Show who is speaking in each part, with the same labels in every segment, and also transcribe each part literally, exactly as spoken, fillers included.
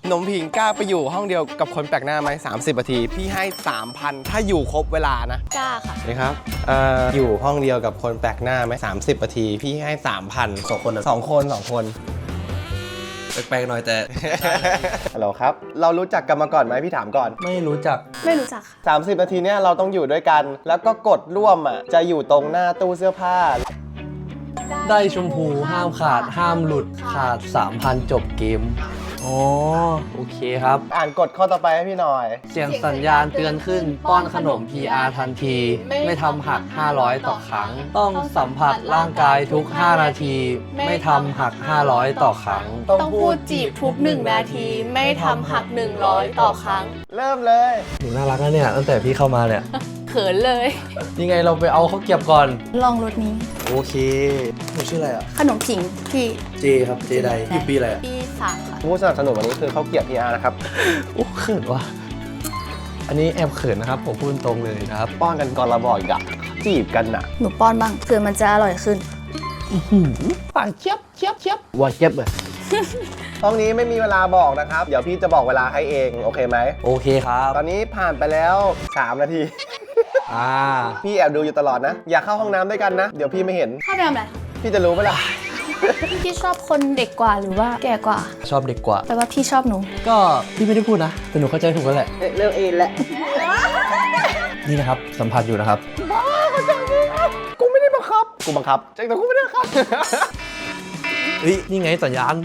Speaker 1: หนมผิงกล้าไปอยู่ห้องเดียวกับคนแปลกหน้าไหมสามสิบนาทีพี่ให้ สามพัน ถ้าอยู่ครบเวลานะ
Speaker 2: กล้าค่ะ
Speaker 1: นี่ครับเอ่ออยู่ห้องเดียวกับคนแปลกหน้าไหมสามสิบนาทีพี่ให้ สามพัน
Speaker 3: สองคนนะ
Speaker 1: สองคนสองคน
Speaker 3: แปลกๆหน่อยแต่
Speaker 1: ฮัลโหลครับเรารู้จักกันมาก่อนไหมพี่ถามก่อน
Speaker 3: ไม่รู้จัก
Speaker 2: ไม่รู้จักค่ะ
Speaker 1: สามสิบนาทีเนี้ยเราต้องอยู่ด้วยกัน แล้วก็กดร่วมอ่ะจะอยู่ตรงหน้าตู้เสื้อผ้า
Speaker 3: ได้ชมพูห้ามขาดห้ามหลุดขาด สามพัน จบเกมอ๋อโอเคครับ
Speaker 1: อ่านกฎข้อต่อไปให้พี่หน่อย
Speaker 3: เสียงสัญญาณเตือนขึ้นป้อนขนม พี อาร์ ทันที ไม่ทำหัก ห้าร้อย ต่อครั้ง ต้องสัมผัสร่างกายทุก ห้า นาที ไม่ทำหัก ห้าร้อย ต่อครั้ง
Speaker 2: ต้องพูดจีบทุกหนึ่งนาที ไม่ทำหักหนึ่งร้อยต่อครั้ง
Speaker 1: เริ่มเลย
Speaker 3: หนูน่ารักนะเนี่ยตั้งแต่พี่เข้ามาเนี่ย
Speaker 2: เขินเลย
Speaker 3: ยังไงเราไปเอาข้าวเกรียบก่อน
Speaker 2: ลองรถนี้
Speaker 3: โอเคหนูชื่ออะไรอ่ะ
Speaker 2: ขนมผิงที่
Speaker 3: เจครับเจไดอยู่ปีอะไรอ่ะ
Speaker 2: ปีสามค่ะ
Speaker 1: ผู้สนับสนุนวันนี้คือเขาเกียรติ พี อาร์ นะครับ
Speaker 3: โอ้เขินว่ะอันนี้แอบเขินนะครับผมพูดตรงเลยนะครับ
Speaker 1: ป้อนกันก่อนเราบอกอีกอะจีบกันน่ะ
Speaker 2: หนูป้อนบ้างเผื่อมันจะอร่อยขึ้น
Speaker 3: ปากเชียบเชียบเชียบว่าเชียบเลย
Speaker 1: ห้องนี้ไม่มีเวลาบอกนะครับ เดี๋ยวพี่จะบอกเวลาให้เองโอเคไหม
Speaker 3: โอเคครับ
Speaker 1: ตอนนี้ผ่านไปแล้วสามนาที
Speaker 3: อ่า
Speaker 1: พี่แอบดูอยู่ตลอดนะ อย่าเข้าห้องน้ำด้วยกันนะ เดี๋ยวพี่ไม่เห็น
Speaker 2: เข้าไปทำอะไร
Speaker 1: พี่จะรู้ไหมล่ะ
Speaker 2: พี่ชอบคนเด็กกว่าหรือว่าแก่กว่า
Speaker 3: ชอบเด็กกว่า
Speaker 2: แปลว่าพี่ชอบหนู
Speaker 3: ก็พี่ไม่ได้พูดนะแต่หนูเข้าใจถูกแล้วแหละ
Speaker 1: เรื่องเองแหละ
Speaker 3: นี่นะครับสัมผัสอยู่นะครับ
Speaker 1: กูไม่ได้บังคับ กูบังคับแต่กูไม่ได้บังคับ
Speaker 3: เฮ้ยนี่ไงสัญญาณ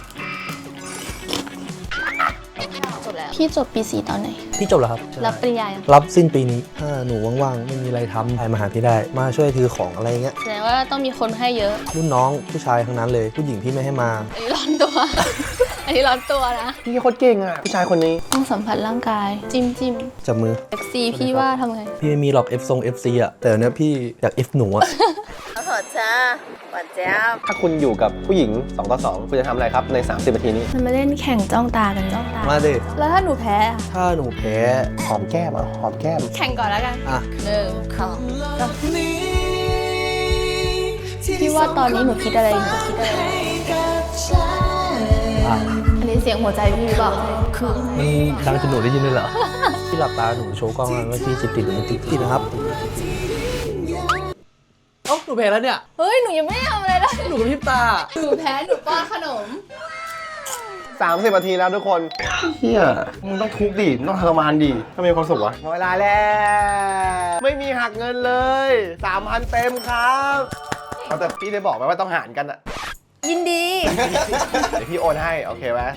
Speaker 2: จบแล้ว พี่จบปีสี่ตอนไหน
Speaker 3: พี่จบแล้วครับ
Speaker 2: รับปริญญายัง
Speaker 3: รับสิ้นปีนี้ถ้าหนูว่างๆไม่มีอะไรทำใครมาหาพี่ได้ มาช่วยถือของอะไรเงี้ย
Speaker 2: แสดงว่าต้องมีคนให้เยอะ
Speaker 3: รุ่นน้องผู้ชายทั้งนั้นเลยผู้หญิงพี่ไม่ให้มา
Speaker 2: อันนี้ร้อนตัว อันนี้ร้อนตัวนะ
Speaker 1: พี่โคตรเก่งอ่ะผู้ชายคนนี้
Speaker 2: ต้องสัมผัสร่างกาย จิ้มจิ้ม
Speaker 3: จับมือ
Speaker 2: เซ็กซี่พี่ว่าทำไง
Speaker 3: พี่ไม่มีหรอก F ทรง เอฟ ซี อ่ะแต่เนี้ยพี่อยาก F หนูอ่ะ
Speaker 2: โอ้โหจ้าหวานแจ๊บ
Speaker 1: ถ้าคุณอยู่กับผู้หญิงสองต่อสองคุณจะทำอะไรครับในสามสิบนาทีนี้
Speaker 2: มันมาเล่นแข่งจ้องตากันจ้องตา
Speaker 3: มาดิ
Speaker 2: แล้วถ้าหนูแพ้อะ
Speaker 3: ถ้าหนูแพ้
Speaker 1: หอมแก้มอ่ะหอมแก้ม
Speaker 2: แข่งก่อนแล้วกัน
Speaker 3: อ่ะ
Speaker 2: หนึ่งสองสามพี่ว่าตอนนี้หนูคิดอะไรอยู่หนูคิดอะไรอยู่
Speaker 3: อ่ะ
Speaker 2: อันนี้เสียงหัวใจพี่หรือเปล่า
Speaker 3: มันดังจนหนูได้ยินเลยเหรอ พี่หลับตาหนูโชว์กล้องแล้วว่าพี่จิตติดหรือไม่ติดติดนะครับเอ้าหนูแพ้แล้วเนี่ย
Speaker 2: เฮ้ยหนูยังไม่ได้ทำอะไรเลย
Speaker 3: หนูกับพริบตา
Speaker 2: หนูแพ้หนูป้อนขนม
Speaker 1: สามสิบนาทีแล้วทุกคนเฮียมึงต้องทุบดิมึงต้องทรมานดิถ้ามีความสุขวะเวลาแล้วไม่มีหักเงินเลยสามพันเต็มครับเอาแต่พี่ได้บอกไหมว่าต้องหารกันอะ
Speaker 2: ยินดี
Speaker 1: เดี๋ยวพี่โอนให้โอเคไหม